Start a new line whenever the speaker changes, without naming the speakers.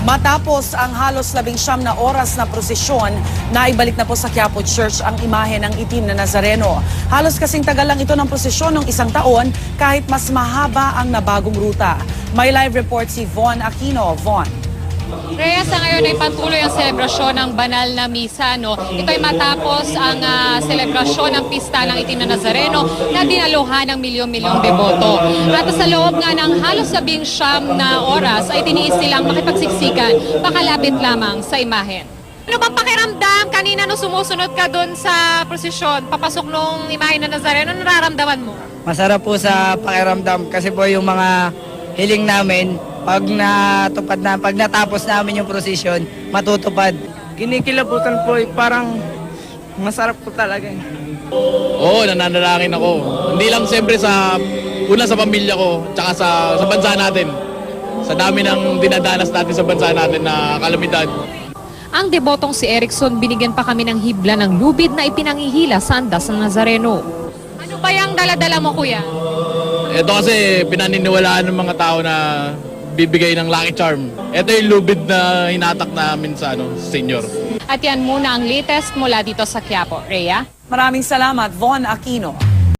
Matapos ang halos 19 na oras na prosesyon, naibalik na po sa Quiapo Church ang imahe ng itim na Nazareno. Halos kasing tagal lang ito ng prosesyon ng isang taon kahit mas mahaba ang nabagong ruta. May live report si Von Aquino. Von.
Rhea, sa ngayon ay patuloy ang selebrasyon ng banal na misa. No? Ito ay matapos ang selebrasyon ng pista ng itim na Nazareno na dinaluhan ng milyon-milyong deboto. At sa loob nga ng halos 19 na oras ay tiniis silang makipagsiksikan pakalapit lamang sa imahen. Ano bang pakiramdam kanina no sumusunod ka doon sa prosesyon, papasok nung imahe ng Nazareno, nararamdaman mo?
Masarap po sa pakiramdam kasi po yung mga hiling namin, pag natapos namin yung prosesyon, matutupad.
Kinikilabutan po, parang masarap po talaga.
Oo, nananalangin ako. Hindi lang siyempre sa pamilya ko, tsaka sa bansa natin. Sa dami ng dinadanas natin sa bansa natin na kalamidad.
Ang debotong si Erickson, binigyan pa kami ng hibla ng lubid na ipinangihila sa andas ng Nazareno. Ano ba yung daladala mo, kuya?
Ito kasi pinaniniwalaan ng mga tao na bibigay ng lucky charm. Ito yung lubid na hinatak namin sa senior.
At yan muna ang latest mula dito sa Quiapo. Rhea?
Maraming salamat, Von Aquino.